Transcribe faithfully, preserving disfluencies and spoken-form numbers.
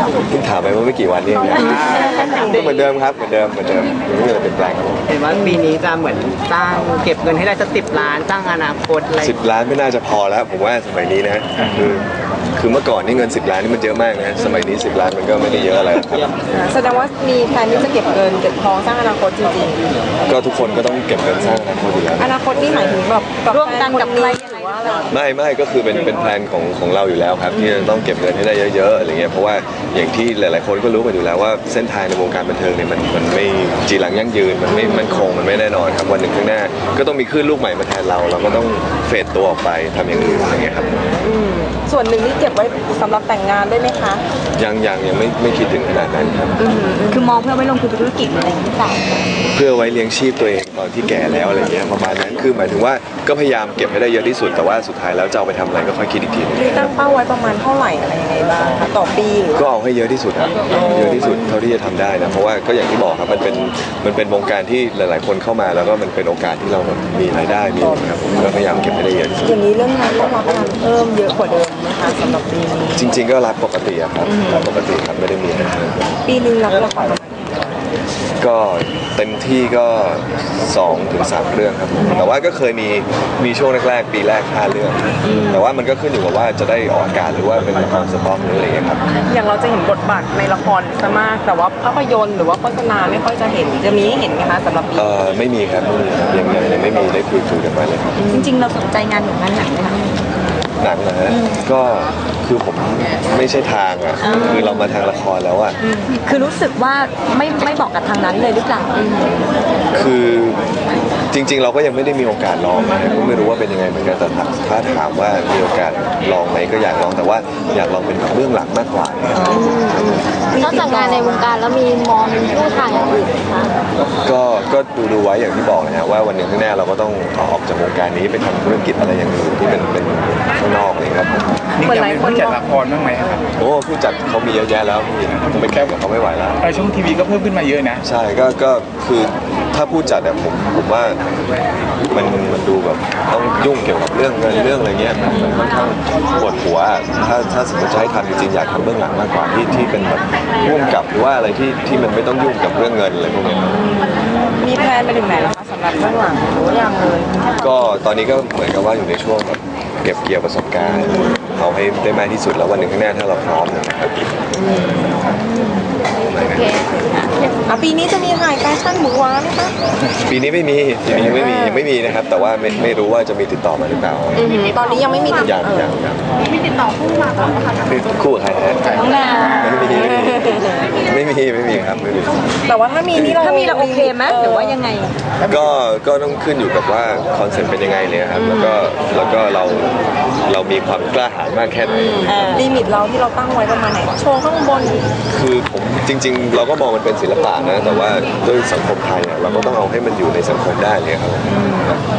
เพิ่งถามไปเมื่อไม่กี่วันนี้นะก็เหมือนเดิมครับเหมือนเดิมเหมือนเดิมไม่มีอะไรเปลี่ยนแปลงครับเห็นว่าปีนี้จะเหมือนสร้างเก็บเงินให้ได้สักสิบล้านสร้างอนาคตอะไรสิบล้านไม่น่าจะพอแล้วผมว่าสมัยนี้นะคือคือเมื่อก่อนนี่เงินสิบล้านนี่มันเยอะมากนะสมัยนี้สิบล้านมันก็ไม่ได้เยอะอะไรครับแสดงว่ามีแผนที่จะเก็บเงินเก็บทองสร้างอนาคตจริงๆก็ทุกคนก็ต้องเก็บเงินสร้างอนาคตอยู่แล้วอนาคตนี่หมายถึงแบบร่วมกันกับใครหรือว่าอะไรไม่ไม่ก็คือเป็นเป็นแผนของของเราอยู่แล้วครับที่จะต้องเก็บเงินให้ได้เยอะๆอะไรเงี้ยเพราะว่าอย่างที่หลายๆคนก็รู้กันอยู่แล้วว่าเส้นทางในวงการบันเทิงเนี่ยมันมันไม่จีรังยั่งยืนมันไม่มันคงมันไม่แน่นอนครับวันหนึ่งข้างหน้าก็ต้องมีคลื่นลูกใหม่มาแทนเราเราก็ต้องเฟดตัวออกไปทำอย่างอื่นอะไรเงี้ยครับส่วนหนึ่งนี่เก็บไว้สำหรับแต่งงานได้ไหมคะยังยังยังไม่ไม่คิดถึงขนาดนั้นครับคือมองเพื่อไว้ลงทุนธุรกิจอะไรอย่างนี้เปล่าเพื่อไว้เลี้ยงชีพตัวเองตอนที่แก่แล้วอะไรเงี้ยประมาณนั้นคือหมายถึงว่าก็พยายามเก็บให้ได้เยอะที่สุดแต่ว่าสุดท้ายแล้วจะเอาไปทำอะไรก็ค่อยคิดอีกทีมีตั้งเป้าไว้ประมาณเท่าไหร่อะไรยังไงบ้างคะต่อปีหรือก็เอาให้เยอะที่สุดครับเยอะที่สุดเท่าที่จะทำได้นะเพราะว่าก็อย่างที่บอกครับมันเป็นมันเป็นวงการที่หลายๆคนเข้ามาแล้วก็มันเป็นโอกาสที่เรามีรายได้มีครับผมก็พยายามเก็บให้ได้เยอะอย่างนี้เรื่องงานต้องรับงานเพิ่มเยอะกว่าเดิมนะคะสำหรับปีนี้จริงๆก็รับปกติครับรับปกติครับไม่ได้มีอะไรปีนึงรับละครก็เต็มที่ก็สองถึงสามเรื่องครับแต่ว่าก็เคยมีมีช่วงแรกๆปีแรกห้าเรื่องแต่ว่ามันก็ขึ้นอยู่กับว่าจะได้ออกอากาศหรือว่าเป็นละครสต็อกหรืออะไรอย่างเงี้ยครับอย่างเราจะเห็นบทบาทในละครซะมากแต่ว่าภาพยนตร์หรือว่าโฆษณาไม่ค่อยจะเห็นจะมีให้เห็นไหมคะสำหรับปีเออไม่มีครับไม่มีครับยังยังไม่มีได้คุยคุยกันมาเลยครับจริงๆเราสนใจงานหนังงานหนังไหมคะหนังนะฮะก็คือผมไม่ใช่ทางอ่ะคือเรามาทางละครแล้วอ่ะคือรู้สึกว่าไม่ไม่บอกกับทางนั้นเลยหรือเปล่าคือจริงๆเราก็ยังไม่ได้มีโอกาสลองนะก็ไม่รู้ว่าเป็นยังไงเหมือนกันแต่ถ้าถามว่ามีโอกาสลองไหมก็อยากลองแต่ว่าอยากลองเป็นเรื่องหลังมากกว่านอกจากงานในวงการแล้วมีมองลู่ทางอย่างอื่นไหมคะก็ก็ดูดูไว้อย่างที่บอกนะฮะว่าวันหนึ่งข้างหน้าเราก็ต้องออกจากวงการนี้ไปทำธุรกิจอะไรอย่างอื่นที่เป็นเป็นข้างนอกเลยครับนี่จะมีผู้จัดละครบ้างไหมครับโอ้ผู้จัดเขามีเยอะแยะแล้วผมไปแข่งกับเขาไม่ไหวแล้วไอช่องทีวีก็เพิ่มขึ้นมาเยอะนะใช่ก็ก็คือถ้าผู้จัดเนี่ยผมผมว่ามันมันดูแบบต้องยุ่งเกี่ยวกับเรื่องเงินเรื่องอะไรเงี้ยมันค่อนข้างปวดหัวถ้าถ้าสมมติจะให้ทำจริงๆอยากทำเบื้องหลังมากกว่าที่ที่เป็นแบบร่วมกับหรือว่าอะไรที่ที่มันไม่ต้องยุ่งกับเรื่องเงินอะไรพวกนี้มีแพลนไปถึงไหนแล้วคะสำหรับเบื้องหลังหรือยังเลยก็ตอนนี้ก็เหมือนกับว่าอยู่ในช่วงแบบเก็บเกี่ยวประสบการณ์เอาให้ได้มากที่สุดแล้ววันหนึ่งข้างหน้าถ้าเราพร้อมนะครับปีนี้จะมีถ่ายแฟชั่นหมูว้าไหมคะปีนี้ไม่มีปีนี้ไม่มีไม่มีนะครับแต่ว่าไม่ไม่รู้ว่าจะมีติดต่อมาหรือเปล่าตอนนี้ยังไม่มีติดต่อยังยังมีติดต่อคู่มาก่อนนะคะคู่ใครฮะน้องนาไม่มีไม่มีไม่มีครับไม่มีแต่ว่าถ้ามีนี่เราถ้ามีเราโอเคไหมหรือว่ายังไงก็ก็ต้องขึ้นอยู่กับว่าคอนเซ็ปต์เป็นยังไงเลยครับแล้วก็แล้วก็เราเรามีความกล้าหาญมากแค่ไหนลิมิตเราที่เราตั้งไว้ประมาณไหนโชว์ข้างบนคือผมจริงๆเราก็มองมันเป็นศิลปะนะแต่ว่าด้วยสังคมไทยเราก็ต้องเอาให้มันอยู่ในสังคมได้เลยครับ